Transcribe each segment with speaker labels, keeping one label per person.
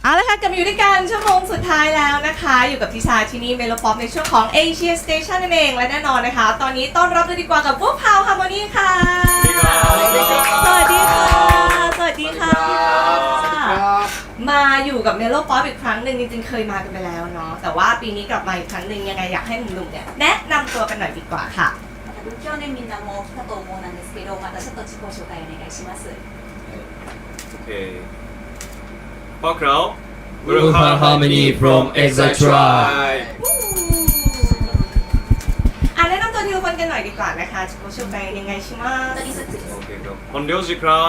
Speaker 1: เอาละค่ะกลับมาอยู่ด้วยกันชั่วโมงสุดท้ายแล้วนะคะอยู่กับทิชาที่นี่เมโลป๊อปในช่วงของ Asia Station นั่นเองและแน่นอนนะคะ ตอนนี้ต้อนรับเลยดีกว่ากับพวกพาวฮาร์โมนีค่ะสวัสดีค่ะสวัสดีค่ะมาอยู่กับเมโลป๊อปอีกครั้งหนึ่งจริงๆเคยมากันไปแล้วเนาะแต่ว่าปีนี้กลับมาอีกครั้งหนึ่งยังไงอยากให้หนุ่มๆเนี่ยแนะนำตัวกันหน่อยดีกว่าค่ะ
Speaker 2: 去年みんなも来たと思うんですけど、またちょっと自己紹介お願いします。
Speaker 3: พวกเรา
Speaker 4: Ultra Harmony from Exile Tribe
Speaker 1: แนะนำตัวทีละคนกันหน่อยดีกว่านะคะ自己紹介お願いします
Speaker 2: 一人ずつです。
Speaker 3: โอเคครับ本領寺ครับ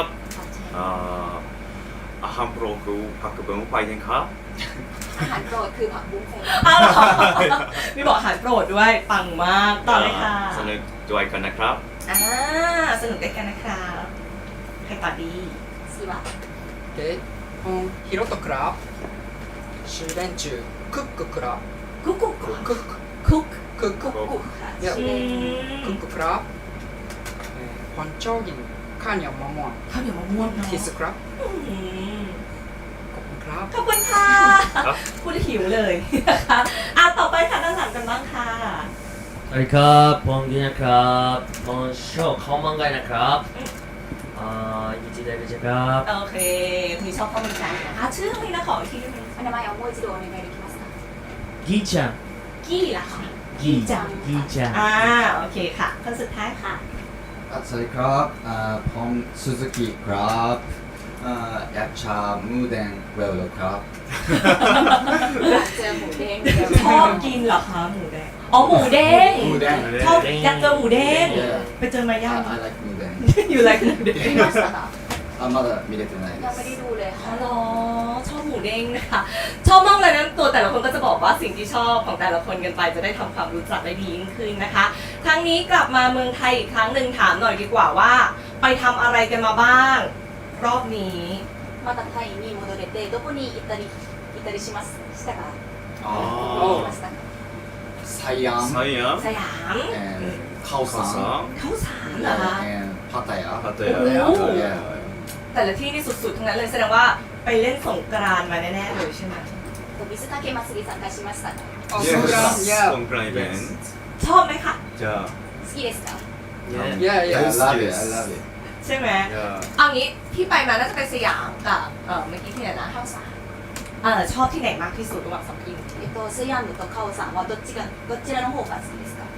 Speaker 3: อาหารโปรดคือผักกระเบื้องไฟกันครับ
Speaker 2: อาหารโปรดคือผักบุ้งไฟ
Speaker 1: อ้าวเหรอมีบอกอาหารโปรดด้วยปังมากต่อเลยค่ะ
Speaker 3: สนุกด้วยกันนะครับ
Speaker 1: สนุกด้วยกันนะครับใครต่อดี
Speaker 2: 次は
Speaker 5: で、ヒロトクラブ、修練中、クッククラブ、
Speaker 1: กุ๊กกุ๊ก
Speaker 5: クック、
Speaker 1: คุก
Speaker 5: クック、
Speaker 2: กุ๊กค่ะ
Speaker 5: いや
Speaker 2: ชื่อเล่น
Speaker 5: クッククラブ、パンチョーギン、カーニャマモン、
Speaker 1: ข้าวเหนียวมะม่วงเนาะ
Speaker 5: キスクラブ、
Speaker 1: อืม
Speaker 5: コップクラブ。
Speaker 1: ขอบคุณค่ะพูดหิวเลยนะคะต่อไปค่ะด้านหลังกันบ้างค่ะ
Speaker 4: สวัสดีครับผมกินนะครับผมชอบข้าวมันไก่นะครับยินดีได้รู้จักครับ
Speaker 1: โอเคมีชอบข้าวมันไก่นะคะชื่ออะไรนะขออีกทีได้ไหม
Speaker 2: お名前をもう一度お願いできますか。
Speaker 4: กีจัง
Speaker 1: กี้ล่ะค่ะ
Speaker 4: กีจังกีจัง
Speaker 1: โอเคค่ะคนสุดท้ายค่ะ
Speaker 6: สวัสดีครับผมซูซูกิครับอยากชามูเดนเวลโลครับ
Speaker 2: อยากเจอหมูเด้งเดี๋ยว
Speaker 1: ชอบกินเหรอคะหมูแดงอ๋อหมูเด้ง
Speaker 6: หมูแดง
Speaker 1: ชอบอยากเจอหมูเด้ง
Speaker 6: Yeah.
Speaker 1: ไปเจอมายัง
Speaker 6: I like มูเดน
Speaker 1: อยู่ไรกันหมูเด้ง
Speaker 2: 見ましたか。
Speaker 6: まだ見れてないで
Speaker 2: ยังไม่
Speaker 6: す
Speaker 2: ได้ดูเลย
Speaker 1: อ๋
Speaker 2: ค่ะ
Speaker 1: อเหรอชอบหมูเด้งนะคะชอบมากเลยนะตัวแต่ละคนก็จะบอกว่าสิ่งที่ชอบของแต่ละคนกันไปจะได้ทำความรู้จักได้ดียิ่งขึ้นนะคะครั้งนี้กลับมาเมืองไทยอีกครั้งหนึ่งถามหน่อยดีกว่าว่า ไปทำอะไรกันมาบ้าง รอบนี้
Speaker 2: またタイに戻れてどこに行ったりしましたか。
Speaker 6: あ
Speaker 2: 行きましたか。
Speaker 6: サイアン
Speaker 3: サイアン
Speaker 1: สยาม
Speaker 6: カオさん
Speaker 1: ข้าวสารเหรอคะ
Speaker 6: パタヤ
Speaker 3: パタヤ
Speaker 1: โอ้
Speaker 6: Yeah.
Speaker 1: แต่ละที่นี่สุดๆทั้งนั้นเลยแสดงว่าไปเล่นสงกรานต์มาแน่ๆเลยใช่ไหม
Speaker 2: 水かけ祭り参加しましたか。
Speaker 5: あ、ソングラン、いや、
Speaker 3: ソンクランイベント
Speaker 1: ชอบไหมคะ
Speaker 3: じゃあ
Speaker 2: 好きですか。
Speaker 5: いやい
Speaker 6: I
Speaker 5: や、
Speaker 6: love it I love it
Speaker 1: ใช่ไหม
Speaker 3: じゃあ
Speaker 1: เอางี้ที่ไปมาน่าจะเป็นสยามกับเมื่อกี้ที่ไหนนะ
Speaker 2: カオさん。
Speaker 1: ชอบที่ไหนมากที่สุดระหว่างสองที่
Speaker 2: スヤムとカオさんはどちらの方が好きですか。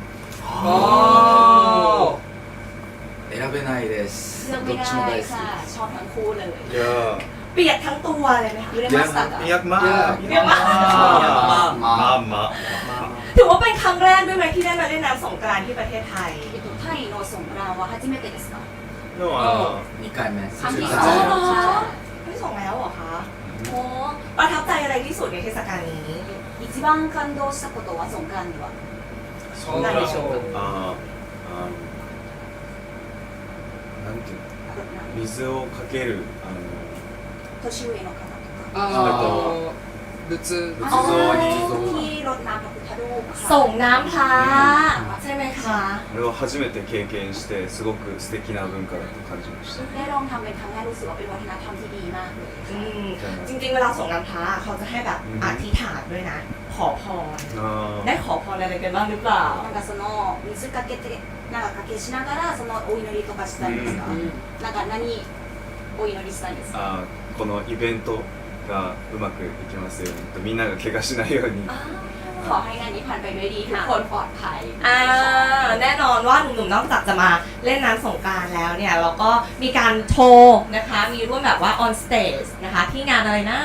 Speaker 5: お
Speaker 6: 選べないです
Speaker 2: เลือก
Speaker 6: ど
Speaker 2: ไม่
Speaker 6: っち
Speaker 2: ได้
Speaker 6: も大好
Speaker 2: ค่ะชอบทั้งคู่เลย
Speaker 3: じゃあ
Speaker 1: เปียกทั้งตัวเลยไหมคะ
Speaker 2: 揺れましたか。
Speaker 3: いやまあ
Speaker 1: いやまあ
Speaker 3: まあまあ
Speaker 1: ถือว่าเป็นครั้งแรกด้วยไหมที่ได้มาเล่นน้ำสงกรานต์ที่ประเทศไทย
Speaker 2: タイのソングランは初めてですか。
Speaker 3: の
Speaker 6: 2回目
Speaker 2: 韓国
Speaker 1: อ๋อเหรอไม่ส่งแล้วเหรอคะโอ้ประทับใจอะไรที่สุดในเทศกาลนี้
Speaker 2: 一番感動したことはソングランでは。
Speaker 5: ソングラン
Speaker 1: 何でしょう
Speaker 3: なんていうの水をかける
Speaker 2: 年上の方とか。
Speaker 5: あ仏
Speaker 3: 仏像に
Speaker 2: ที่รดน้ำพระพุทธรูปค่ะ
Speaker 1: ส่งน้ำพระใช่ไหมคะ
Speaker 3: あれを初めて経験してすごく素敵な文化だと感じました
Speaker 2: ได้ลองทำเป็นครั้งแรกรู้สึกว่าเป็นวัฒนธรรมที่ดีมากเลย
Speaker 1: อืมจริงๆเวลาส่งน้ำพระเขาจะให้แบบอธิษฐานด้วยนะ ขอพร
Speaker 3: あ
Speaker 1: ได้ขอพรอะไรกันบ้างหรือเปล่า
Speaker 2: なんかその水かけてなんかかけしながらそのお祈りとかしたんですか。なんか何お祈りしたんですか。
Speaker 3: あこのイベントがうまくいきますようにとみんなが怪我しないように
Speaker 2: ขอให้งานนี้ผ่านไปด้วยดีทุกคนปลอดภัย
Speaker 1: แน่นอนว่าหนุ่มๆนอกจากจะมาเล่นน้ำสงกรานต์แล้วเนี่ยเราก็มีการโชว์นะคะมีร่วมแบบว่า on stage นะคะที่งานอะไรนะ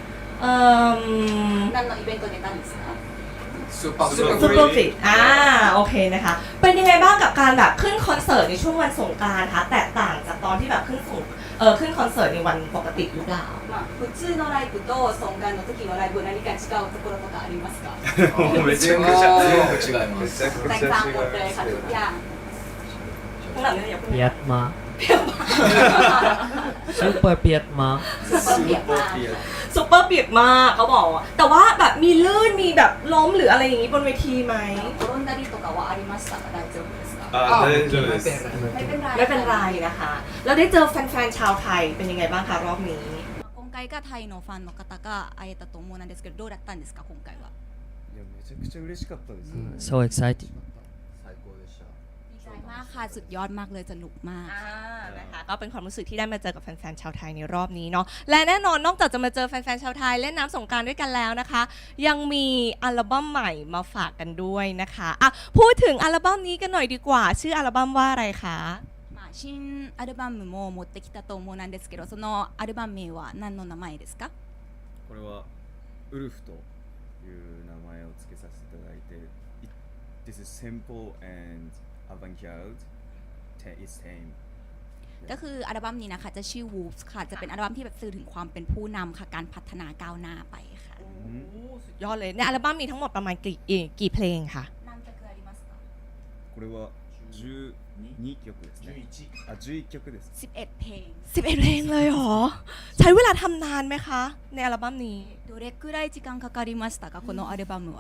Speaker 2: 何のイベント出たんですか。
Speaker 5: スーパー
Speaker 3: スーパー
Speaker 1: ซูเปอร์ฟิตโอเคนะคะเป็นยังไงบ้างกับการแบบขึ้นคอนเสิร์ตในช่วงวันสงกรานต์คะแตกต่างจากตอนที่แบบขึ้นคอนเสิร์ตในวันปกติหรือเปล่า
Speaker 2: まあ普通のライブとソンガンの時のライブ何か違うところとかありますか。
Speaker 3: めちゃくちゃ
Speaker 6: 全部違いま
Speaker 3: め
Speaker 6: す
Speaker 3: ちゃくちゃ
Speaker 2: แตกต่างหมดเลยค่ะ
Speaker 3: 違い
Speaker 2: ทุก
Speaker 3: ま
Speaker 2: อย่าง
Speaker 1: ข้างหลังเนี่ยอย่าพูด
Speaker 4: เปียกมากซุปเปอร์เปียกมาก
Speaker 2: ซุปเปอร์เปียกมาก
Speaker 1: ซุปเปอร์เปียกมากเขาบอกแต่ว่าแบบมีลื่นมีแบบล้มหรืออะไรอย่างนี้บนเวทีไหม
Speaker 2: 転んだりとかはありましたか。大丈夫ですか。
Speaker 3: あ大丈夫です
Speaker 2: ไม่เป็นไร
Speaker 1: ไม่เป็นไรนะคะแล้วได้เจอแฟนๆชาวไทยเป็นยังไงบ้างคะรอบนี้
Speaker 2: 今回回がタイのファンの方が会えたと思うんですけど、どうだったんですか今回は。
Speaker 3: いやめちゃくちゃ嬉しかったですね、
Speaker 4: So excited
Speaker 6: 最高でした。
Speaker 2: ดีใจมากค่ะสุดยอดมากเลยสนุกมาก
Speaker 1: นะคะก็เป็นความรู้สึกที่ได้มาเจอกับแฟนๆชาวไทยในรอบนี้เนาะและแน่นอนนอกจากจะมาเจอแฟนๆชาวไทยเล่นน้ำสงกรานต์ด้วยกันแล้วนะคะ ยังมีอัลบั้มใหม่มาฝากกันด้วยนะคะอ่ะพูดถึงอัลบั้มนี้กันหน่อยดีกว่าชื่ออัลบั้มว่าอะไรคะ
Speaker 2: まあ、新アルバムも持ってきたと思うんですけど、そのアルバム名は何の名前ですか？
Speaker 3: これはウルフという名前を付けさせていただいて This is simple and avant-garde It's tame
Speaker 2: ก็คืออัลบั้มนี้นะคะจะชื่อ Wolves ค่ะจะเป็นอัลบั้มที่แบบสื่อถึงความเป็นผู้นำค่ะการพัฒนาก้าวหน้าไปค่ะ
Speaker 1: สุดยอดเลยในอัลบั้มมีทั้งหมดประมาณกี่เพลงคะ
Speaker 2: 何曲ありますか？
Speaker 3: これは12曲ですねあ11曲です
Speaker 2: 11เพลง
Speaker 1: 11เพลงเลยเหรอใช้เวลาทำนานไหมคะในอัลบั้มนี้
Speaker 2: どれくらい時間かかりましたかこのアルバムは？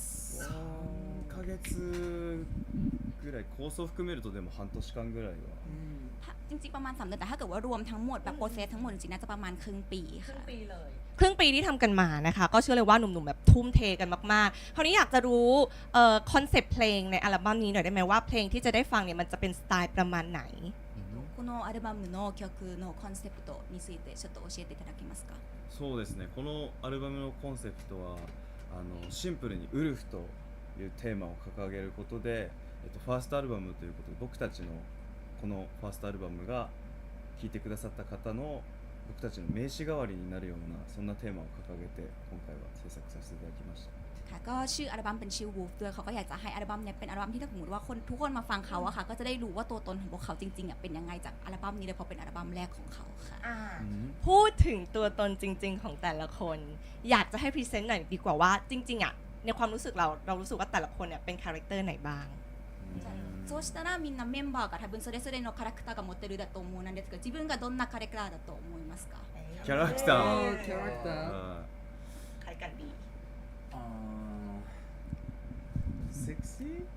Speaker 3: 3ヶ月ぐらい構想含めるとでも半年間ぐらいは
Speaker 2: จริงๆประมาณ3 เดือนแต่ถ้าเกิดว่ารวมทั้งหมดแบบโปรเซสทั้งหมดจริงๆน่าจะประมาณครึ่งปีค่ะ
Speaker 1: ครึ่งปีที่ทำกันมานะคะก็เชื่อเลยว่าหนุ่มๆแบบทุ่มเทกันมากๆคราวนี้อยากจะรู้คอนเซปต์เพลงในอัลบั้มนี้หน่อยได้ไหมว่าเพลงที่จะได้ฟังเนี่ยมันจะเป็นสไตล์ประมาณไหน
Speaker 2: このアルバムの曲のコンセプトについてちょっと教えていただけますか？
Speaker 3: そうですねこのアルバムのコンセプトはシンプルにウルフというテーマを掲げることで、ファーストアルバムということで僕たちのこのファーストアルバムが聴いてくださった方の僕たちの名刺代わりになるようなそんなテーマを掲げて今回は制作させていただきました
Speaker 2: ค่ะก็ชื่ออัลบั้มเป็นชื่อ Wolf ด้วยเขาก็อยากจะให้อัลบั้มเนี่ยเป็นอัลบั้มที่ถ้าสมมติว่าทุกคนมาฟังเขาอะค่ะก็จะได้รู้ว่าตัวตนของพวกเขาจริงๆอะเป็นยังไงจากอัลบั้มนี้เลยเพราะเป็นอัลบั้มแรกของเขาค่ะ
Speaker 1: พูดถึงตัวตนจริงๆของแต่ละคนอยากจะให้พรีเซนต์หน่อยดีกว่าว่าจริงๆอ่ะในความรู้สึกเรารู้สึกว่าแต่ละคนเนี่ยเป็นคาแรคเตอร์ไหนบ้าง
Speaker 2: そうしたらみんなメンバーが多分それぞれのキャラクターが持ってるだと思うんですけど自分がどんなキャラクターだと思いますか？
Speaker 3: キャラクター
Speaker 5: キャラクター
Speaker 1: ใครกันดี
Speaker 3: セクシー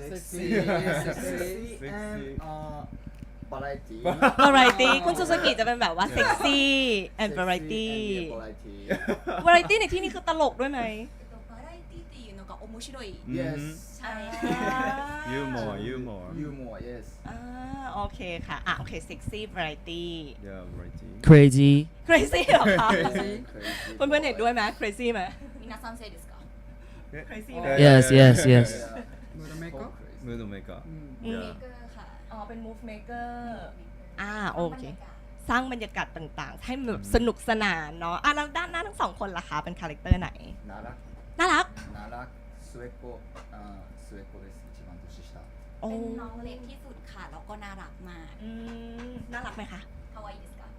Speaker 6: Sexy and variety
Speaker 1: วาไรตี้คุณซูซูกิจะเป็นแบบว่าเซ็กซี่แอนด์วาไรตี้
Speaker 6: variety
Speaker 1: วาไรตี้ในที่นี้คือตลกด้วยไหม
Speaker 2: バラエティっていうのが面白い
Speaker 6: Yes
Speaker 2: ใช่
Speaker 3: ユーモア
Speaker 6: Humor yes
Speaker 1: โอเคค่ะโอเคเซ็กซี่วาไรตี้
Speaker 3: Yeah variety
Speaker 4: crazy
Speaker 1: crazy เหรอคะ
Speaker 6: Crazy
Speaker 1: เพื่อนๆเห็นด้วยไหม crazy ไหม
Speaker 2: みなさんせいですか？
Speaker 1: crazy
Speaker 4: Yes yes yes
Speaker 5: ムードメーカー
Speaker 3: ムードメーカー
Speaker 2: メーカーค่ะ
Speaker 1: อ๋อเป็น move maker โอเคสร้างบรรยากาศต่างๆ ให้แบบสนุกสนานเนาะแล้วด้านหน้าทั้งสองคนล่ะคะเป็นคาแรคเตอร์ไหน
Speaker 6: น่ารัก
Speaker 1: น่ารัก
Speaker 6: น่ารัก末っ子末っ子です一番年下
Speaker 1: โอ้
Speaker 2: เป็นน้องเล็กที่สุดค่ะแล้วก็น่ารักมาก
Speaker 1: น่ารักไหมคะ
Speaker 2: คาวาอิですか？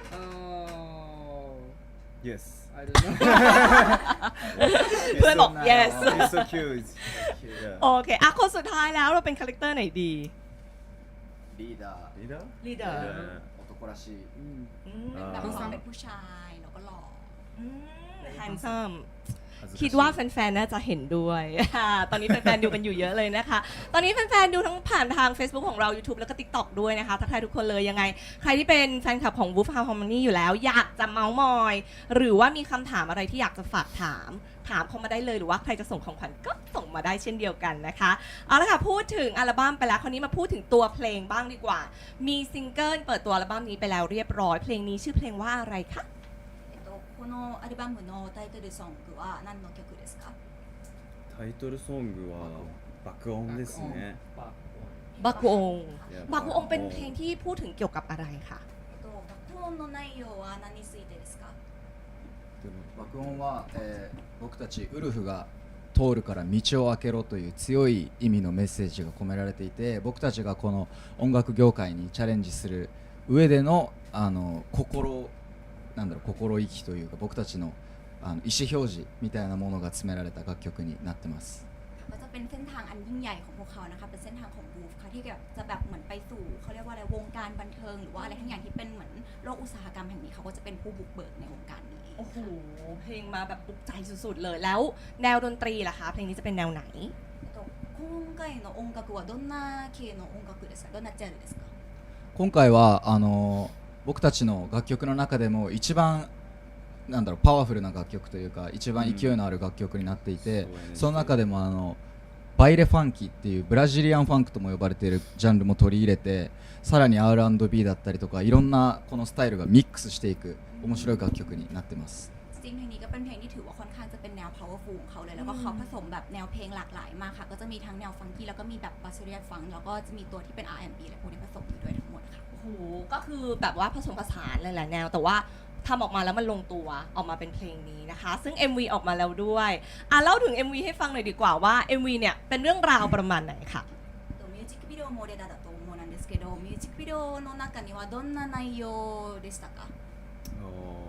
Speaker 3: Yes
Speaker 5: I don't know
Speaker 1: เพื่อนบอก yes
Speaker 3: He's so cute Yeah
Speaker 1: โอเคคนสุดท้ายแล้วเราเป็นคาแรคเตอร์ไหนดี
Speaker 6: リーダー
Speaker 3: リーダー
Speaker 1: leader
Speaker 6: 男らしい
Speaker 2: เป็นแบบ
Speaker 3: อ่า
Speaker 2: ความเป็นผู้ชายแล้วก็หล่อ
Speaker 1: handsome
Speaker 3: 恥ずかしい
Speaker 1: คิดว่าแฟนๆ น่าจะเห็นด้วย ตอนนี้แฟนๆ ดูกันอยู่เยอะเลยนะคะ ตอนนี้แฟนๆ ดูทั้งผ่านทาง Facebook ของเรา YouTube แล้วก็ TikTok ด้วยนะคะทักทายทุกคนเลยยังไง ใครที่เป็นแฟนคลับของ Wolf Harmony อยู่แล้ว อยากจะเมาส์มอย หรือว่ามีคำถามอะไรที่อยากจะฝากถามเข้ามาได้เลยหรือว่าใครจะส่งของขวัญก็ส่งมาได้เช่นเดียวกันนะคะเอาละค่ะพูดถึงอัลบั้มไปแล้วคราวนี้มาพูดถึงตัวเพลงบ้างดีกว่า มีซิงเกิลเปิดตัวอัลบั้มนี้ไปแล้วเรียบร้อยเพลงนี้ชื่อเพลงว่าอะไรคะ
Speaker 2: このアルバムのタイトルソングは何の曲ですか？
Speaker 3: タイトルソングは爆音ですね
Speaker 1: บักวง
Speaker 3: Yeah
Speaker 1: บักวงเป็นเพลงที่พูดถึงเกี่ยวกับอะไรคะ
Speaker 2: 爆音の内容は何についてですか？
Speaker 6: 爆音は、僕たちウルフが通るから道を開けろという強い意味のメッセージが込められていて僕たちがこの音楽業界にチャレンジする上での心意気というか僕たちの意思表示みたいなものが詰められた楽曲になってます。
Speaker 2: ก็จะเป็นเส้นทางอันยิ่งใหญ่ของพวกเขานะคะเป็นเส้นทางของบูฟค่ะที่แบบจะแบบเหมือนไปสู่เขาเรียกว่าอะไรวงการบันเทิงหรือว่าอะไรทั้งอย่างที่เป็นเหมือนโลกอุตสาหกรรมแห่งนี้เขาก็จะเป็นผู้บุกเบิกในวงการนี้
Speaker 1: โอ้โหเพลงมาแบบปลุกใจสุดๆเลยแล้วแนวดนตรีล่ะคะเพลงนี้จะเป็นแนวไหน
Speaker 2: 今回の音楽はどんな系の音楽ですか？どんなジャンルですか？
Speaker 6: 今回は僕たちの楽曲の中でも一番なんだろうパワフルな楽曲というか一番勢いのある楽曲になっていて、その中でもバイレファンキーっていうブラジリアンファンクとも呼ばれているジャンルも取り入れて、さらに R&B だったりとかいろんなこのスタイルがミックスしていく面白い楽曲になってます。
Speaker 2: จริงๆเพลงนี้ก็เป็นเพลงที่ถือว่าค่อนข้างจะเป็นแนว powerful ของเขาเลยแล้วก็เขาผสมแบบแนวเพลงหลากหลายมากค่ะก็จะมีทั้งแนวฟังกี้แล้วก็มีแบบบาสเรียนฟังแล้วก็จะมีตัวที่เป็น R&B อะไรพวกนี้ผสมอยู่ด้วยทั้งหมดค่ะ
Speaker 1: โอ้โหก็คือแบบว่าผสมผสานหลายๆแนวแต่ว่าทำออกมาแล้วมันลงตัวออกมาเป็นเพลงนี้นะคะซึ่ง MV ออกมาแล้วด้วยเล่าถึง MV ให้ฟังหน่อยดีกว่าว่า MV เนี่ยเป็นเรื่องราวประมาณไหนค่ะ
Speaker 2: ミュージックビデオもレダだと思うんですけどミュージックビデオの中にはどんな内容でしたか
Speaker 3: お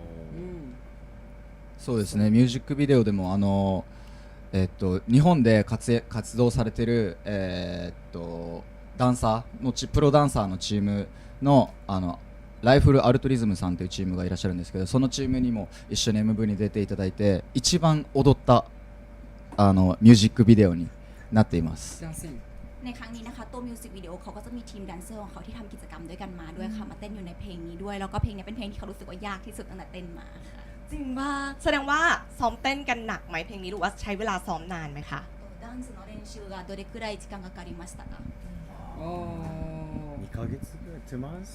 Speaker 6: そうですね、ミュージックビデオでも日本で活動されてる、ダンサーのプロダンサーのチームのライフルアルトリズムさんというチームがいらっしゃるんですけど、そのチームにも一緒に MV に出ていただいて一番踊ったミュージックビデオになっています。
Speaker 5: ダンシング
Speaker 2: ในครั้งนี้นะคะตัวมิวสิกวิดีโอเขาก็จะมีทีมแดนเซอร์ของเขาที่ทำกิจกรรมด้วยกันมาด้วยค่ะมาเต้นอยู่ในเพลงนี้ด้วยแล้วก็เพลงนี้เป็นเพลงที่เขารู้สึกว่ายากที่สุดตั้งแต่เต้นมาค่ะ
Speaker 1: จริงว่าแสดงว่าซ้อมเต้นกันหนักไหมเพลงนี้หรือว่าใช้เวลาซ้อมนานไหมคะ
Speaker 2: ダンスの練習がどれくらい時間かかりましたか
Speaker 5: お
Speaker 3: 2ヶ月ぐらい 2 months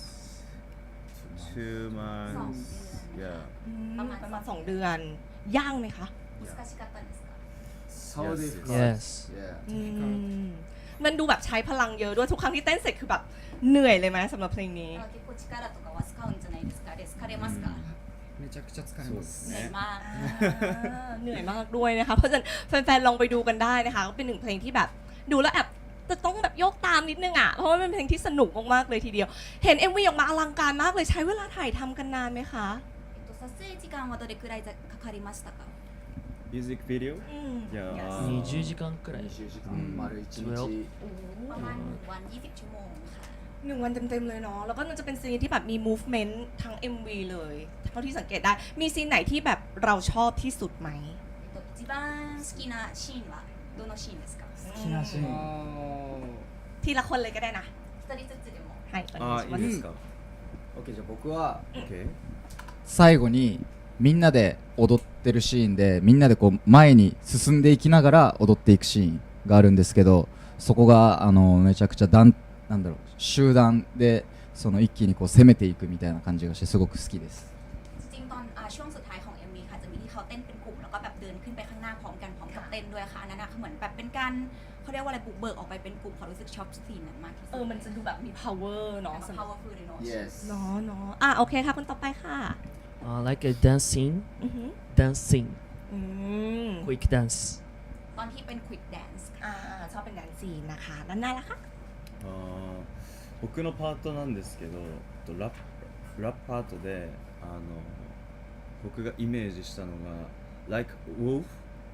Speaker 3: 2 months yeah
Speaker 1: ประมาณ2 เดือนยากไหมคะ
Speaker 2: 難しかったんですか
Speaker 6: How
Speaker 3: Yes.
Speaker 4: Yes.
Speaker 1: อืมมันดูแบบใช้พลังเยอะด้วยทุกครั้งที่เต้นเสร็จคือแบบเหนื่อยเลยไหมสำหรับเพลงนี้
Speaker 2: 結構力とかは使うんじゃないですか疲れますか
Speaker 5: めちゃくちゃ疲れ
Speaker 3: そう
Speaker 5: ま
Speaker 3: ですす
Speaker 2: เหนื่อย
Speaker 3: ね
Speaker 2: มาก
Speaker 1: เหนื่อยมากด้วยนะคะเพราะฉะนั้นแฟนๆลองไปดูกันได้นะคะก็เป็นหนึ่งเพลงที่แบบดูแล้วแอบจะต้องแบบโยกตามนิดนึงอ่ะเพราะว่าเป็นเพลงที่สนุกมากๆเลยทีเดียว เห็น MV ออกมาอลังการมากเลยใช้เวลาถ่ายทำกันนานไหมคะ
Speaker 2: 撮影時間はどれくらいかかりましたか
Speaker 3: ミュージックビデオ
Speaker 1: อืม
Speaker 3: いや
Speaker 1: Yes
Speaker 3: ー
Speaker 4: 20時間くらい
Speaker 6: 20時間丸1日、
Speaker 2: ประมาณ1วัน20ชั่วโมงค่ะ
Speaker 1: 1 วันเต็มๆเลยเนาะแล้วก็มันจะเป็นซีนที่แบบมี movement ทั้ง MV เลยเท่าที่สังเกตได้มีซีนไหนที่แบบเราชอบที่สุดไหม
Speaker 2: 一番好きなシーンはどのシーンですか
Speaker 6: 好きなシーン
Speaker 1: ทีละคนเลยก็ได้นะ
Speaker 2: 一人ずつでも
Speaker 1: はいお願
Speaker 3: あ
Speaker 1: いします
Speaker 3: ーいいですか
Speaker 6: OK じゃあ僕は
Speaker 3: OK
Speaker 6: 最後にみんなで踊ってるシーンでみんなでこう前に進んでいきながら踊っていくシーンがあるんですけど、そこがめちゃくちゃなんだろう集団でその一気にこう攻めていくみたいな感じがしてすごく好きです。
Speaker 2: จริงๆตอนช่วงสุดท้ายของ MV ค่ะจะมีที่เขาเต้นเป็นกลุ่มแล้วก็แบบเดินขึ้นไปข้างหน้าพร้อมกันพร้อมกับเต้นด้วยค่ะอันนั้นเหมือนแบบเป็นการเขาเรียกว่าอะไรบุกเบิกออกไปเป็นกลุ่มเขารู้สึกชอบซีนนั้นมากที่สุด
Speaker 1: มันจะดูแบบมี power เนาะ
Speaker 2: แล้วก็
Speaker 1: สำหรับ
Speaker 2: powerful เลยเนาะ
Speaker 6: Yes
Speaker 1: เนาะเนาะโอเคค่ะคนต่อไปค่ะ
Speaker 4: like a dancing
Speaker 1: อือหือ
Speaker 4: dancing
Speaker 1: อืม
Speaker 4: quick dance
Speaker 2: ตอนที่เป็น quick dance ค่ะ
Speaker 1: ชอบเป็นแดนซีนนะคะด้านหน้าละคะ
Speaker 3: あー僕のパートなんですけどラップパートで僕がイメージしたのが Like Wolf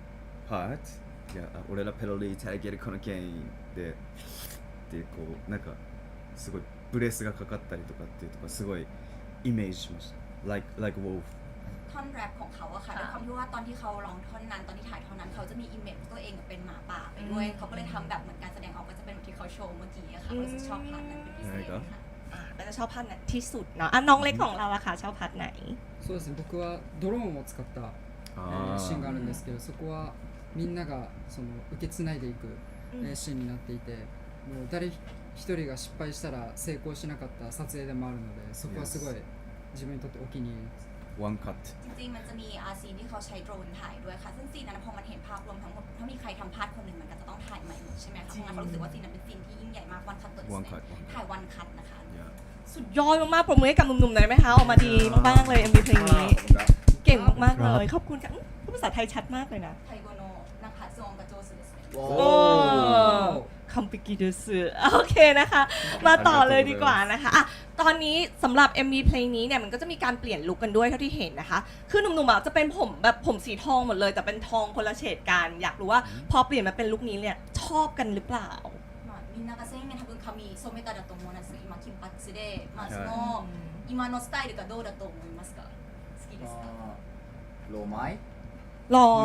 Speaker 3: Part いや俺らペロリータイゲルこの権威でこうなんかすごいブレスがかかったりとかっていうとかすごいイメージしました Like Wolf
Speaker 2: ท่อนแรปของเขาอะค่ะด้วยความที่ว่าตอนที่เขาร้องท่อนนั้นตอนที่ถ่ายท่อนนั้นเขาจะมีอิมเมจตัวเองเป็นหมาป่าไปด้วยเขาก็เลยทำแบบเหมือนการแสดงออกก็จะเป็นแบบที่เขาโชว์เมื่อกี้อะค่ะรู้สึกชอบพาร์ทนั้นเป็นพิเศษค่ะ
Speaker 1: ก็จะชอบพาร์ทไหนที่สุดเนาะน้องเล็กของเราอะค่ะชอบพาร์ทไหน
Speaker 5: そうですね僕はドローンを使ったシーンがあるんですけどそこはみんながその受け継いでいくシーンになっていてもう誰一人が失敗したら成功しなかった撮影でもあるのでそこはすごい自分にとってお気に入りです
Speaker 3: ワンカット
Speaker 2: จริงๆมันจะมีซีนที่เขาใช้โดรนถ่ายด้วยค่ะซึ่งซีนนั้นพอมันเห็นภาพรวมทั้งหมดถ้ามีใครทำพลาดคนหนึ่งมันก็จะต้องถ่ายใหม่หมดใช่ไหมคะเพราะงั้นเขารู้สึกว่าซีนนั้นเป็นซีนที่ยิ่งใหญ่มากวันคัตตัว
Speaker 3: ワンカット
Speaker 2: ถ่ายวันคัตนะคะ
Speaker 3: いや
Speaker 1: สุดยอดมากๆปรบมือให้กับหนุ่มๆหน่อยไหมคะออกมาดีมากๆเลย MV เพลงนี้เก่งมากๆเลยขอบคุณค่ะพูดภาษาไทยชัดมากเลยนะ
Speaker 2: ไทโกโนนักขัดซองกระโจสุดเลย
Speaker 6: お
Speaker 1: โอ้คัมปิกิดุสึโอเคนะคะ มาต่อเลยดีกว่านะคะตอนนี้สำหรับ MV เพลงนี้เนี่ยมันก็จะมีการเปลี่ยนลุคกันด้วยเท่าที่เห็นนะคะคือหนุ่มๆจะเป็นผมแบบผมสีทองหมดเลยแต่เป็นทองคนละเฉดกันอยากรู้ว่าพอเปลี่ยนมาเป็นลุคนี้เนี่ยชอบกันหรือเปล่า
Speaker 2: みんなが全員多分髪染めただと思うんです今金髪でその今のスタイルがどうだと思いますか好きですか
Speaker 6: ロマイ
Speaker 1: รอ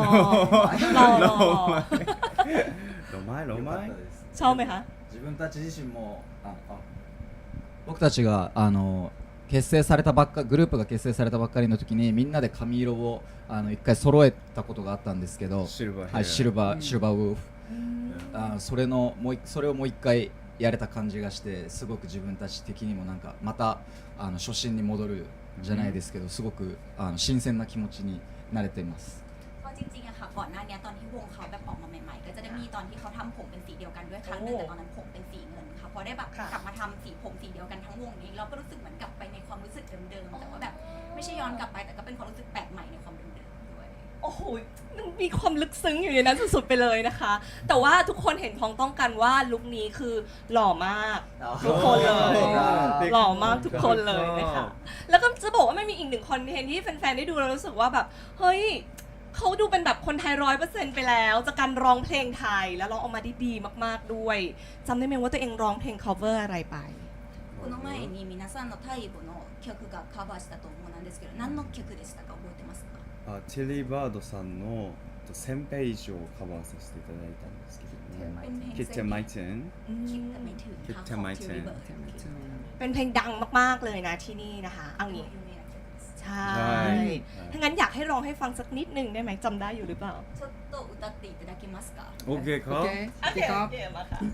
Speaker 3: ロマイ
Speaker 1: ชอบไหมคะ
Speaker 6: 自分たち自身も僕たちが結結成されたばっかグループが結成されたばっかりの時にみんなで髪色を一回揃えたことがあったんですけど、
Speaker 3: シルバーヘア
Speaker 6: はい、シルバーウルフ、それをもう一回やれた感じがしてすごく自分たち的にもなんかまた初心に戻るじゃないですけど、すごく新鮮な気持ちになれています。
Speaker 2: ก็จริงๆอะค่ะก่อนหน้านี้ตอนที่วงเขาแบบออกมาใหม่ๆก็จะได้มีตอนที่เขาทำผมเป็นสีเดียวกันด้วยครั้งหนึงแต่ตอนนั้นผมเป็นสีเงินค่ะพอได้แบบกลับมาทำสีผมสีเดียวกันทั้งวงนี้เราก็รู้สึกเหมือนกลับไปในความรู้สึกเดิมๆแต่ว่าแบบไม่ใช่ย้อนกลับไปแต่ก็เป็นความรู้สึกแปลกใหม่ในความเดิมๆด้วย
Speaker 1: โอ้โหมันมีความลึกซึ้งอยู่ในนั้นสุดๆไปเลยนะคะ แต่ว่าทุกคนเห็นพ้องต้องกันว่าลุคนี้คือหล่อมากทุกคนเลยหล่อมากทุกคนเลยนะคะแล้วก็จะบอกว่าไม่มีอีกหนึ่งคอนเทนต์ที่แฟนๆได้ดูแล้วรู้สึกว่าแบบเฮ้ยเขาดูเป็นแบบคนไทย100%ไปแล้วจากการร้องเพลงไทยแล้วร้องออกมาได้ดีมากๆด้วยจำได้ไหมว่าตัวเองร้องเพลง cover อะไรไป
Speaker 2: この前に皆さんのタイプの曲がカバーしたと思うんですけど何の曲でしたか覚えてますか
Speaker 3: チェリーバードさんの1000ページをカバーさせていただいたんですけどもคิดจะไม่ถึง
Speaker 2: คิดแต่ไม่ถึง
Speaker 3: คิดแต่ไม่ถึง
Speaker 1: เป็นเพลงดังมากๆเลยนะที่นี่นะคะเอางี้ใช่ถ้างั้นอยากให้ร้องให้ฟังสักนิดนึงได้ไหมจำได้อยู่หรือเปล่า
Speaker 2: ちょっと歌っていただけますか
Speaker 3: โอเคครับ
Speaker 1: โอเคโอเคมาค่ะ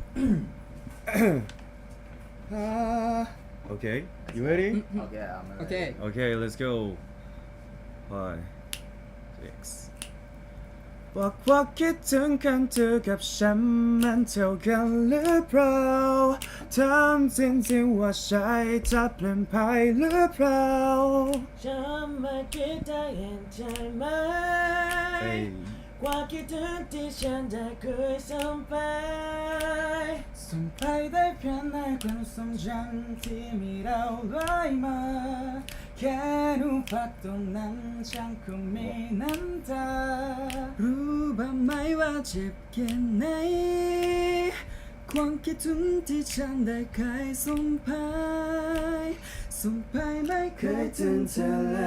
Speaker 3: Okay, you ready?
Speaker 6: Okay, I'm ready.
Speaker 5: Okay.
Speaker 3: Okay, let's go. 5 6บอกว่าคิดถึงกันเธอกับฉันมันเท่ากันหรือเปล่าถามจริงๆว่าใช่จะเปลี่ยนไปหรือเปล่า
Speaker 4: จะไม่คิดได้เห็นใจไหม ความคิดถึงที่ฉันได้เคยส่งไป
Speaker 3: ส่งไปได้เพียงในความทรงจำที่มีเราลอยมาแค่รูปภาพตรงนั้นฉันคงมีน้ำตารู้บ้างไหมว่าเจ็บแค่ไหนความคิดถึงที่ฉันได้เคยส่งไปไม่เคยถึงเธอเลย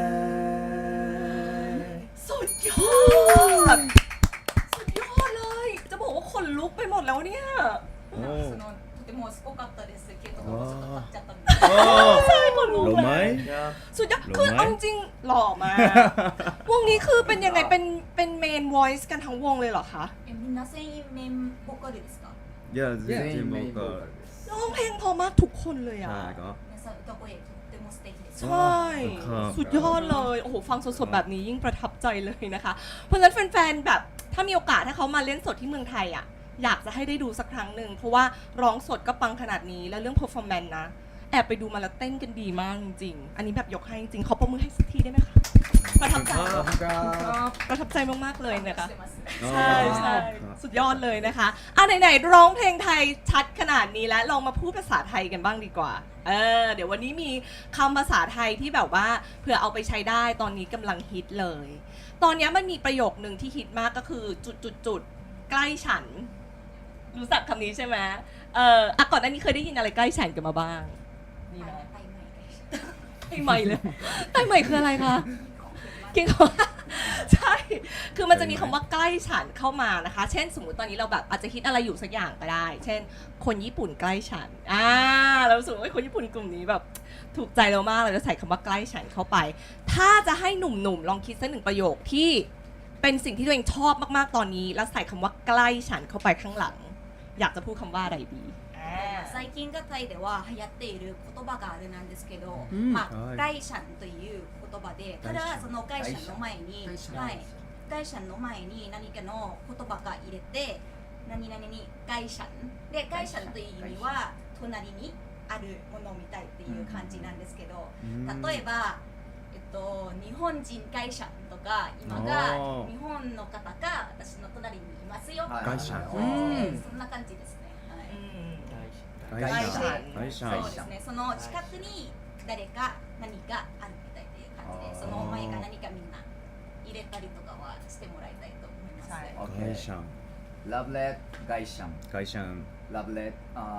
Speaker 1: สุดยอดสุดยอดเลยจะบอกว่าขนลุกไปหมดแล้วเนี่ย
Speaker 2: そのとてもすごかったですけどちょっと立っちゃったんで
Speaker 1: ใช่ขนลุก
Speaker 3: หล่อไหม
Speaker 1: สุดยอด
Speaker 3: หล่อไหม
Speaker 1: คือเอาจริงๆหล่อมากวงนี้คือเป็นยังไงเป็นเมน voice กันทั้งวงเลยเหรอคะ
Speaker 2: みんな全員メインボーカルですか
Speaker 3: いや全然僕は
Speaker 1: ร้องเพลงเพอมากทุกคนเลยอ่ะ
Speaker 3: ใช่ครับ
Speaker 2: 皆さん歌声とっても素敵です
Speaker 1: ใช่
Speaker 3: ครับ
Speaker 1: สุดยอดเลย โอ้โห ฟังสดๆ แบบนี้ยิ่งประทับใจเลยนะคะ เพราะฉะนั้นแฟนๆ แบบถ้ามีโอกาสถ้าเขามาเล่นสดที่เมืองไทยอ่ะ อยากจะให้ได้ดูสักครั้งหนึ่ง เพราะว่าร้องสดก็ปังขนาดนี้ แล้วเรื่อง performance นะ แอบไปดูมาแล้วเต้นกันดีมากจริงๆ อันนี้แบบยกให้จริงๆ เขาประมือให้สักทีได้ไหมคะ ประทับใจ ประทับใจมากๆ เลยนะคะ
Speaker 2: してます
Speaker 1: ใช่ใช่สุดยอดเลยนะคะไหนๆร้องเพลงไทยชัดขนาดนี้แล้วลองมาพูดภาษาไทยกันบ้างดีกว่าเดี๋ยววันนี้มีคำภาษาไทยที่แบบว่าเผื่อเอาไปใช้ได้ตอนนี้กำลังฮิตเลย ตอนนี้มันมีประโยคนึงที่ฮิตมากก็คือจุดใกล้ฉัน รู้จักคำนี้ใช่ไหมก่อนหน้านี้เคยได้ยินอะไรใกล้ฉันกันมาบ้างมีไหม
Speaker 2: ไปใหม่กัน
Speaker 1: ไต้ใหม่คืออะไรคะกินของใช่ คือมันจะมีคำว่าใกล้ฉันเข้ามานะคะ เช่นสมมุติตอนนี้เราแบบอาจจะคิดอะไรอยู่สักอย่างก็ได้ เช่น คนญี่ปุ่นใกล้ฉันเรารู้สึกว่าคนญี่ปุ่นกลุ่มนี้แบบถูกใจเรามากเราจะใส่คำว่าใกล้ฉันเข้าไป ถ้าจะให้หนุ่มๆลองคิดสักหนึ่งประโยคที่เป็นสิ่งที่ตัวเองชอบมากๆตอนนี้ แล้วใส่คำว่าใกล้ฉันเข้าไปข้างหลัง อยากจะพูดคำว่าอะไรดี
Speaker 2: 最近がタイでは流行っている言葉があれなんですけど、
Speaker 3: はい
Speaker 2: ガイシャンという言葉で、ただそのガイシャンの前に、ガイシャンの前に何かの言葉が入れて、何々にガイシャンでガイシャンという意味は隣にあるものみたいっていう感じなんですけど、例えば日本人ガイシャンとか今が日本の方が私の隣にいますよ。
Speaker 3: ガイシャン
Speaker 2: そんな感じですね。
Speaker 3: ガイシャン
Speaker 2: そうですね。その近くに誰か何かあるみたいっていう感じで、その前が何かみんな入れたりとかはしてもらいたいと思います。
Speaker 3: ガイシャン
Speaker 7: Love Let ガイシャン
Speaker 3: ガイシャン
Speaker 7: Love Let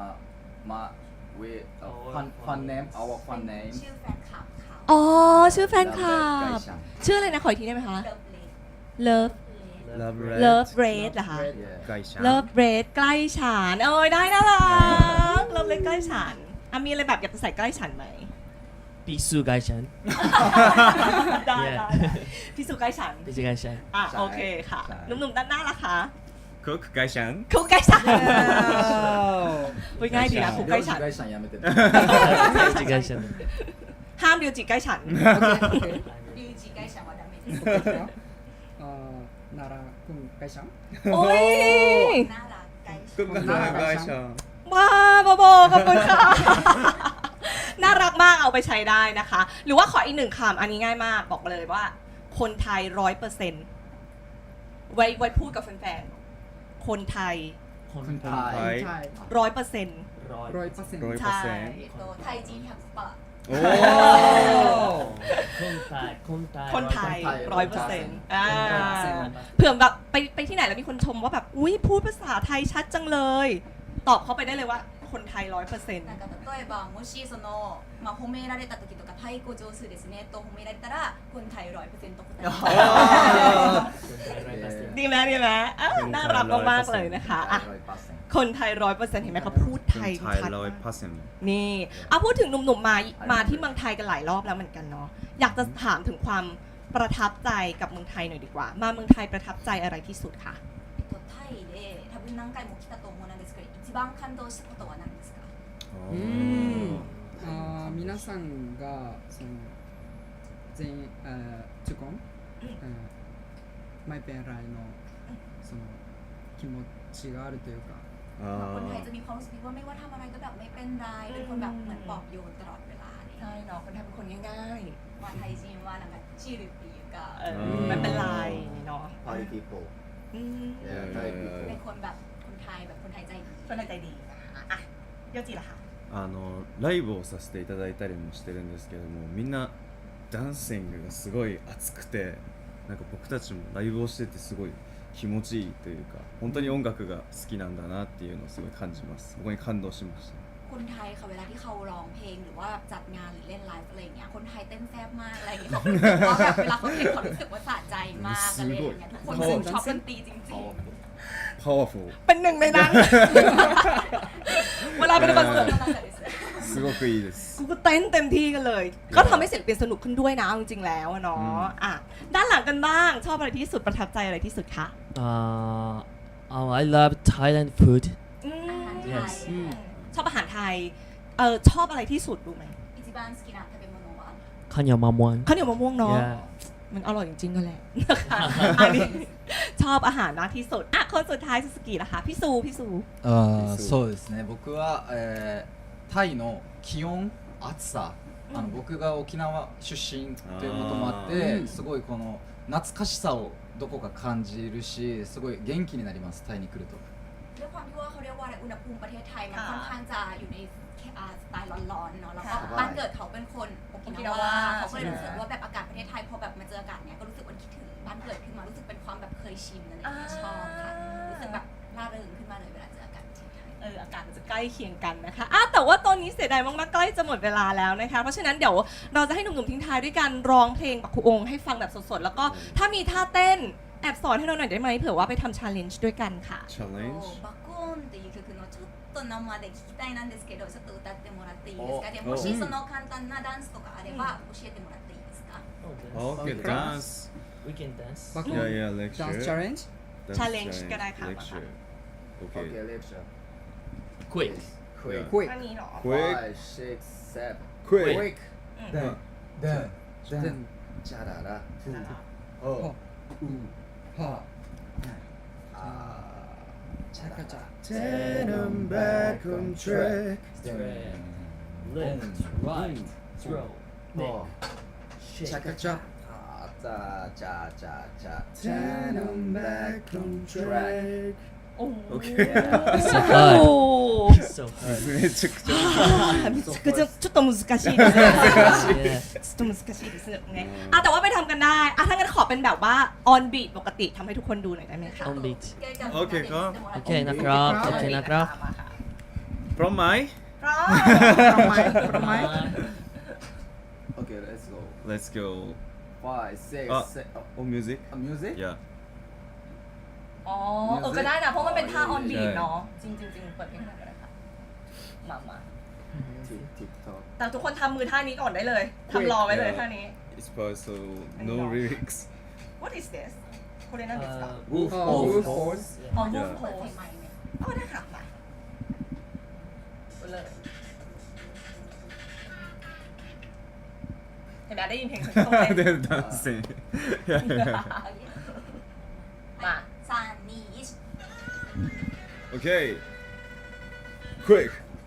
Speaker 7: we fun name our fun name
Speaker 2: ชื่อแฟนคลับเขา
Speaker 1: อ๋อชื่อแฟนคลั
Speaker 7: Love Let
Speaker 1: บ
Speaker 7: ガイシャン
Speaker 1: ชื่ออะไรนะขออีกทีได้ไหมคะ
Speaker 2: เลิฟเล
Speaker 1: Love
Speaker 3: Love
Speaker 1: Red เหรอคะ
Speaker 7: Yeah
Speaker 3: ガイシャン
Speaker 1: Love Red ใกล้ฉันได้น่ารัก Love Red ใกล้ฉันมีอะไรแบบอยากจะใส่ใกล้ฉันไหม
Speaker 4: 必須該ฉัน
Speaker 1: ได้
Speaker 4: Yeah
Speaker 1: ได้พี่สุใกล้ฉัน
Speaker 4: 必須該ฉัน
Speaker 1: อ่ะโอเคค่ะหนุ่มๆด้านหน้าล่ะคะ
Speaker 3: クック会社ん
Speaker 1: คุกใกล้ฉันพูดง่ายดีนะคุกใกล้ฉัน
Speaker 7: 領事会社やめてね
Speaker 4: 必須該ฉัน
Speaker 1: ห้ามเดียวจิใกล้ฉัน
Speaker 2: リュウジ会社はダメです
Speaker 5: 奈良くん会社
Speaker 1: โอ้ย
Speaker 2: น่ารัก会社
Speaker 3: クック会社
Speaker 1: ว้าบอบขอบคุณค่ะ น่ารักมากเอาไปใช้ได้นะคะ หรือว่าขออีกหนึ่งคำอันนี้ง่ายมากบอกเลยว่า คนไทย100%ไว้พูดกับแฟนๆคนไทย
Speaker 4: คน
Speaker 7: は
Speaker 3: はい
Speaker 5: はい
Speaker 1: 100%
Speaker 4: ร้อย
Speaker 5: 100%
Speaker 1: ใช่
Speaker 2: タイ人100%
Speaker 3: お
Speaker 4: คนไทยคนไทย
Speaker 1: คนไทย
Speaker 7: คนไทย
Speaker 1: 100%เผื่อแบบไปที่ไหนแล้วมีคนชมว่าแบบอุ้ยพูดภาษาไทยชัดจังเลย ตอบเขาไปได้เลยว่าคนไทย 100%
Speaker 2: なんか例えばもしその、まあ、褒められた時とかタイ語上手ですねと褒められたらคนไทย100%答えます
Speaker 1: ดีไหมดีไหมอ้าวน่ารักมากๆเลยนะคะอ่ะ
Speaker 7: 100%
Speaker 1: คนไทย 100%เห็นไหมเขาพูดไทย
Speaker 3: ไทย
Speaker 1: ชัด
Speaker 3: ร้อย
Speaker 1: มาก
Speaker 3: เปอร์เซ็นต์
Speaker 1: นี่เอาพูดถึงหนุ่มๆมาที่เมืองไทยกันหลายรอบแล้วเหมือนกันเนาะอยากจะถามถึงความประทับใจกับเมืองไทยหน่อยดีกว่า มาเมืองไทยประทับใจอะไรที่สุดคะ
Speaker 2: タイで多分何回も来たと思うんですけど一番感動したことは何ですか
Speaker 5: 皆さんがその全員ทุกคนไม่เป็นไรのその気持ちがあるというか
Speaker 2: คนไทยจะมีความรู้สึกว่าไม่ว่าทำอะไรก็แบบไม่เป็นไรเป็นคนแบบเหมือนปลอบโยนตลอดเวลาอะไรอย่าง
Speaker 1: ใช่
Speaker 2: เงี้ย
Speaker 1: เนาะคนไทยเป็นคนง่าย
Speaker 2: ว่าไทยจริงว่าなんかチルっていうか
Speaker 1: ๆไม่เป็นไรเนาะ
Speaker 7: Party people
Speaker 1: อืม
Speaker 7: Yeah Thai people
Speaker 2: เป็นคนแบบคนไทยแบบคนไทยใจดี
Speaker 1: คนไทยใจดีนะคะอ่ะโยจิล่ะคะ
Speaker 3: ライブをさせていただいたりもしてるんですけどもみんなダンシングがすごい熱くてなんか僕たちもライブをしててすごい気持ちいいというか本当に音楽が好きなんだなっていうのをすごい感じますそこに感動しました
Speaker 2: คนไทยค่ะเวลาที่เขาร้องเพลงหรือว่าจัดงานหรือเล่นไลฟ์อะไรอย่างเงี้ยคนไทยเต้นแซ่บมากอะไรอย่างเงี้ยเขารู้สึกว่าแบบเวลาเขาเห็นเขารู้สึกว่าสะใจมากอะไรอย่างเงี้ยทุกคนชอบดนตรีจริง
Speaker 3: パワフル
Speaker 1: เป็นหนึ่งในนั้น เวลาเป็นคอนเสิร์ต
Speaker 2: ๆ
Speaker 3: すごくいいです
Speaker 1: กูก็เต้นเต็มที่กันเลย ก็ทำให้ศิลปินสนุกขึ้นด้วยนะเอาจริงๆแล้วอะเนาะอ่ะด้านหลังกันบ้าง ชอบอะไรที่สุดประทับใจอะไรที่สุดคะ
Speaker 4: I love Thailand food
Speaker 1: อืม
Speaker 4: Yes
Speaker 1: ชอบอาหารไทยชอบอะไรที่สุดรู้ไหม
Speaker 2: 一番好きな食べ物は
Speaker 4: ข้าวเหนียวมะม่วง
Speaker 1: ข้าวเหนียวมะม่วงเนาะ
Speaker 4: Yeah
Speaker 1: มันอร่อยจริงๆก็แหละนะคะอันนี้ชอบอาหารมากที่สุดอ่ะคนสุดท้ายซูซูกิล่ะคะพี่ซู
Speaker 6: そうですね僕は、タイの気温暑さ僕が沖縄出身ということもあってすごいこの懐かしさをどこか感じるしすごい元気になりますタイに来ると
Speaker 2: ด้วยความที่ว่าเขาเรียกว่าอะไรอุณหภูมิประเทศไทยมันค่อนข้างจะอยู่ในสไตล์ร้อนๆเนาะแล้วก็บ้านเกิดเขาเป็นคนโอกินาวาเขาก็เลยรู้สึกว่าแบบอากาศประเทศไทยพอแบบมาเจออากาศเนี้ยก็รู้สึกว่าคิดถึงบ้านเกิดขึ้นมารู้สึกเป็นความแบบเคยชินอะไรอย่างเงี้ยชอบค่ะรู้สึกแบบร่าเริงขึ้นมาเลยเวลาเจออากาศประเทศไทย
Speaker 1: อากาศมันจะใกล้เคียงกันนะคะแต่ว่าตอนนี้เสียดายมากๆใกล้จะหมดเวลาแล้วนะคะเพราะฉะนั้นเดี๋ยวเราจะให้หนุ่มๆทิ้งท้ายด้วยการร้องเพลงบักคุองให้ฟังแบบสดๆแล้วก็ถ้ามีท่าเต้นแอบสอนให้เราหน่อยได้ไหมเผื่อว่าไปทำ challenge ด้วยกันค่ะ
Speaker 3: チャレンジ
Speaker 2: バコーンっていう曲のちょっと生で聴きたいなんですけどちょっと歌ってもらっていいですかでもしその簡単なダンスとかあれば教えてもらっていいですか
Speaker 3: OK ダンス
Speaker 4: We can dance
Speaker 5: バコ
Speaker 3: いやいやレクチャ
Speaker 5: ダンスチャレンジ
Speaker 1: Challenge ก็ได้ค่ะ
Speaker 3: レクチャー OK
Speaker 7: OK lecture
Speaker 4: Quick
Speaker 7: quick
Speaker 5: Quick
Speaker 1: อันนี้เหรอ
Speaker 3: Quick
Speaker 7: 5 6 7
Speaker 3: Quick
Speaker 7: quick
Speaker 3: ダン
Speaker 7: then
Speaker 5: で
Speaker 7: チャララ
Speaker 5: はは
Speaker 7: チャララ
Speaker 3: Turn them back on track
Speaker 4: Left right throw
Speaker 7: お
Speaker 4: shake
Speaker 7: チャカチャチャチャチャチャ
Speaker 3: Turn them back on track
Speaker 1: โอ้
Speaker 3: OK
Speaker 1: โอ้
Speaker 4: so
Speaker 3: めちゃくちゃ
Speaker 1: めちゃくちゃちょっと難しいですね
Speaker 4: yeah
Speaker 1: ちょっと難しいですねแต่ว่าไปทำกันได้ถ้างั้นขอเป็นแบบว่า on beat ปกติทำให้ทุกคนดูหน่อยได้ไหมคะ
Speaker 4: on beat
Speaker 3: โอเคครับ
Speaker 4: โอเคนะครับโอเคนะครับ
Speaker 3: From my
Speaker 1: พร้อม
Speaker 7: OK let's go
Speaker 3: Let's go
Speaker 7: 5 6
Speaker 3: あ
Speaker 7: 7
Speaker 3: On music
Speaker 7: music
Speaker 3: Yeah
Speaker 1: อ๋อก็ได้นะเพราะมันเป็นท่า on beat เนาะจริงๆเปิดเพลงหน่อยก็ได้ค่ะมา
Speaker 7: 2 TikTok
Speaker 1: แต่ทุกคนทำมือท่านี้ก่อนได้เลยทำรอไว้เลยท่านี้
Speaker 3: It's so no lyrics
Speaker 1: What is this これ何ですか
Speaker 4: Wolf
Speaker 5: Wolf
Speaker 4: pose.
Speaker 5: pose.
Speaker 1: อ๋อ
Speaker 3: Yeah.
Speaker 1: Wolf
Speaker 2: เปิด
Speaker 1: pose
Speaker 2: เพลงใหม่ไหม
Speaker 1: อ๋อได้ค่ะมาเลยเห็นไหมได้ยินเพลงฉันต้องเต้น
Speaker 3: They're dancing
Speaker 1: มา
Speaker 2: 3 2 1
Speaker 3: Okay Quick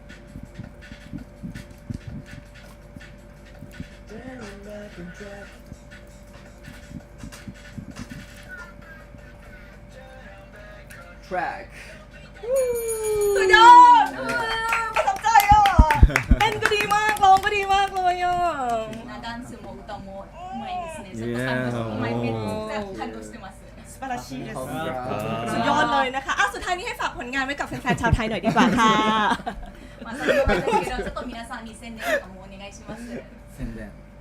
Speaker 7: Track
Speaker 1: สุดยอดประทับใจอ่ะเต้นก็ดีมากร้องก็ดีมากเลยอ่ะ
Speaker 2: ダンスも歌もうまいですね。ちょ
Speaker 3: Yeah.
Speaker 2: っと感動してます。
Speaker 1: สปาราชีです
Speaker 7: Congrats
Speaker 1: สุดยอดเลยนะคะอ่ะสุดท้ายนี้ให้ฝากผลงานไว้กับแฟนๆชาวไทยหน่อยดีกว่าค่ะ
Speaker 2: まあ最後なんですけど、ちょっと皆さんに宣伝とかもお願いします。
Speaker 7: 宣伝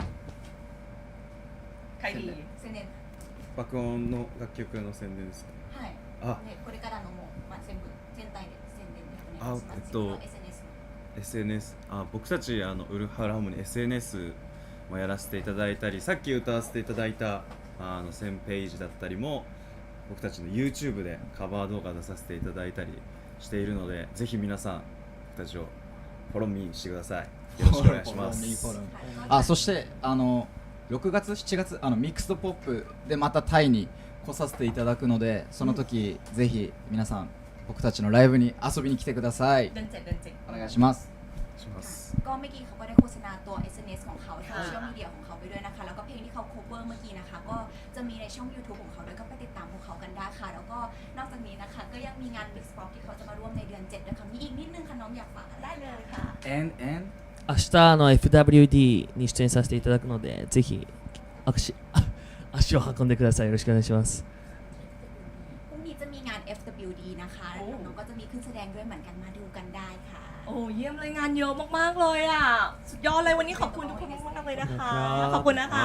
Speaker 1: ใครดี
Speaker 2: 宣伝。
Speaker 3: 爆音の楽曲の宣伝ですか
Speaker 2: はい。
Speaker 3: あ
Speaker 2: でこれからのもうまあ全部全体で宣伝でお願いします。
Speaker 3: あ
Speaker 2: 自分の SNS の。
Speaker 3: SNS 僕たちウルフハラムに SNS もやらせていただいたりさっき歌わせていただいた1000ページだったりも僕たちの YouTube でカバー動画出させていただいたりしているのでぜひ皆さん僕たちをフォローミーしてくださいよろしくお願いします
Speaker 2: はい
Speaker 6: そして6月7月ミックスドポップでまたタイに来させていただくのでその時、ぜひ皆さん僕たちのライブに遊びに来てください
Speaker 1: เดินเจ็ดเดินเจ็ด
Speaker 6: お願いします
Speaker 3: します
Speaker 2: ก็เมื่อกี้เขาก็ได้โฆษณาตัว SNS ของเขาโซเชียลมีเดียของเขาไปด้วยนะคะ แล้วก็เพลงที่เขา cover เมื่อกี้นะคะ ก็จะมีในช่อง YouTube ของเขาด้วยก็ไปติดตามพวกเขากันได้ค่ะ แล้วก็นอกจากนี้นะคะ ก็ยังมีงาน Mix Pop ที่เขาจะมาร่วมในเดือน 7 ด้วยค่ะ มีอีกนิดนึงค่ะน้องอยากฝากได้เลยค่ะ
Speaker 7: and
Speaker 4: 明日FWD に出演させていただくので、ぜひ足を運んでください。よろしくお願いします。
Speaker 2: พรุ่งนี้จะมีงาน FWD นะคะแล้วน้องก็จะมีขึ้นแสดงด้วยเหมือนกันมาดูกันได้ค่ะ
Speaker 1: โอ้เยี่ยมเลยงานเยอะมากๆเลยอ่ะสุดยอดเลยวันนี้ขอบคุณทุกคนมากๆเลยนะคะขอบคุณนะคะ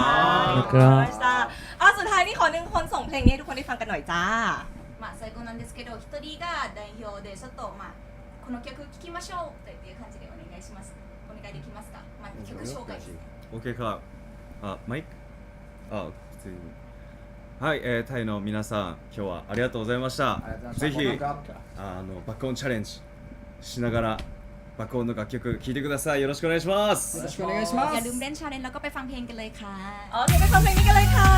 Speaker 1: สุดท้ายนี่ขอหนึ่งคนส่งเพลงนี้ให้ทุกคนได้ฟังกันหน่อยจ้า
Speaker 2: まあ最後なんですけど、一人が代表でちょっとまあこの曲聴きましょうという感じでお願いします。お願いできますか？まあ曲紹介です。
Speaker 3: OK かマイク普通にはい、タイの皆さん今日はありがとうございました
Speaker 7: ありがとうござ
Speaker 3: ぜひ
Speaker 7: いました
Speaker 3: 爆音チャレンジしながら爆音の楽曲聴いてくださいよろしくお願いします
Speaker 5: よろしくお願いしま
Speaker 2: อย่า
Speaker 5: す
Speaker 2: ลืมเล่นชาเลนจ์แล้วก็ไปฟังเพลงกันเลยค่ะ
Speaker 1: โอเคไปฟังเพลงนี้กันเลยค่ะ